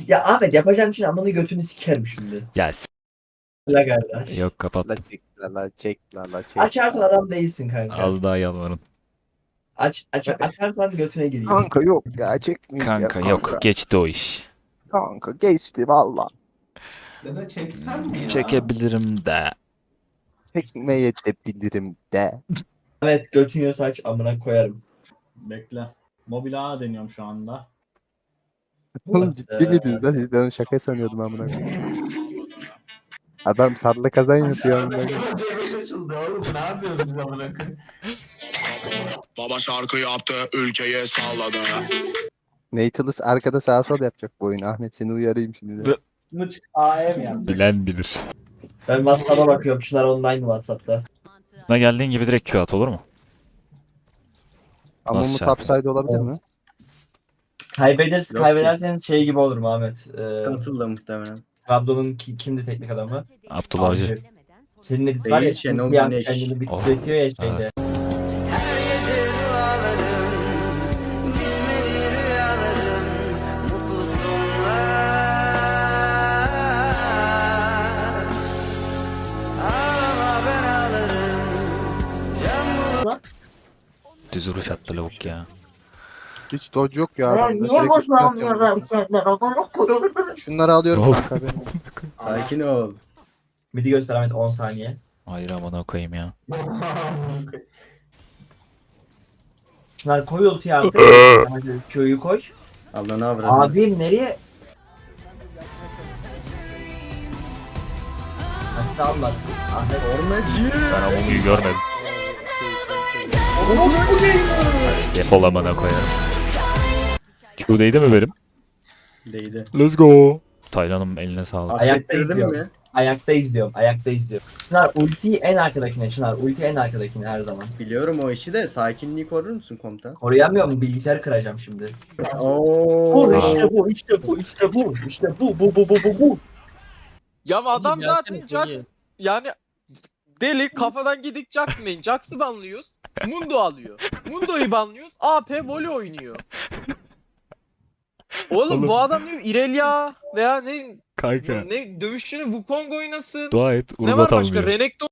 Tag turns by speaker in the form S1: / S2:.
S1: Ya Ahmet yapacağın için amını götünü sikerim şimdi.
S2: Ya
S1: La kardeş.
S2: yok kapat.
S3: La çek la çek la çek.
S1: Açarsan adam değilsin kanka.
S2: Az daha yalvarın.
S1: Açarsan götüne gireyim.
S3: Kanka yok ya çekmeyeceğim
S2: Kanka yok geçti o iş.
S3: Kanka geçti valla.
S4: Ya da çeksen mi ya?
S2: Çekebilirim de.
S3: Çekmeye de bilirim de.
S1: Evet götün yiyorsa aç amına koyarım.
S5: Bekle. Mobil A deniyorum şu anda.
S3: Oğlum ciddi miydiniz lan? Ben onu şaka sanıyordum amına koyayım. Adam sarla kazan yapıyor amına koyayım.
S4: C5 açıldı oğlum. Ne yapıyoruz biz amına koyayım?
S6: Baba şarkı yaptı, ülkeye salladı.
S3: Nathalus arkada sağa sol yapacak bu oyun. Ahmet seni uyarayım şimdi de.
S5: Mıç A'ya mı yapacak?
S2: Bilen bilir.
S1: Ben WhatsApp'a bakıyorum. Çınar online WhatsApp'ta.
S2: Buna geldiğin gibi direkt Q at olur mu?
S3: Ama
S2: Nasıl
S3: bu topside olabilir mi?
S1: Kaybedersin,
S7: Yok
S1: kaybedersen şey gibi olur mu Ahmet?
S7: Katıldı muhtemelen.
S1: Trabzon'un kimdi teknik adamı?
S2: Abdullah Avcı.
S1: Avcı. Senin edit var ya,
S7: Değil, Şenol
S1: simsiyah
S7: Güneş.
S1: kendini bir
S2: Oh.
S1: titretiyor ya şeyde.
S2: Evet. Düz vuruş attı lavuk ya.
S3: Hiç dodge yok ya adamda. Direkt üstüne atıyorum. Şunları alıyorum
S2: Of.
S3: kanka benim.
S7: Sakin ol.
S1: Midi göster Ahmet 10 saniye.
S2: Hayır amına koyayım ya.
S1: Çınar koy ultiyi artık. Hadi Q'yu koy.
S7: Allah ne avradın.
S1: Abim nereye? Hadi almaz. Ahmet
S2: Ben Amumu'yu görmedim. Defol amına koyarım. Q'deydi mi benim?
S7: Değdi.
S2: Let's go. Taylan'ım eline sağlık.
S1: Ayakta
S7: Affettirdin
S1: izliyorum.
S7: mi?
S1: Ayakta izliyorum. Ayakta izliyorum. Çınar ultiyi en arkadakine. Çınar ulti en arkadakine her zaman.
S7: Biliyorum o işi de sakinliği korur musun komutan?
S1: Koruyamıyor mu? Bilgisayarı kıracağım şimdi.
S7: Oo.
S1: Vur işte bu, işte bu, işte bu, işte bu.
S8: Ya adam zaten Jax yani deli kafadan gidik Jax main. Jax'ı banlıyoruz. Mundo alıyor. Mundo'yu banlıyoruz. AP voli oynuyor. Oğlum bu adam ne Irelia veya ne
S2: Kanka.
S8: ne dövüşçünü Wukong oynasın.
S2: Dua et
S8: Ne
S2: Urgot
S8: var başka?
S2: almıyor.
S8: Renekton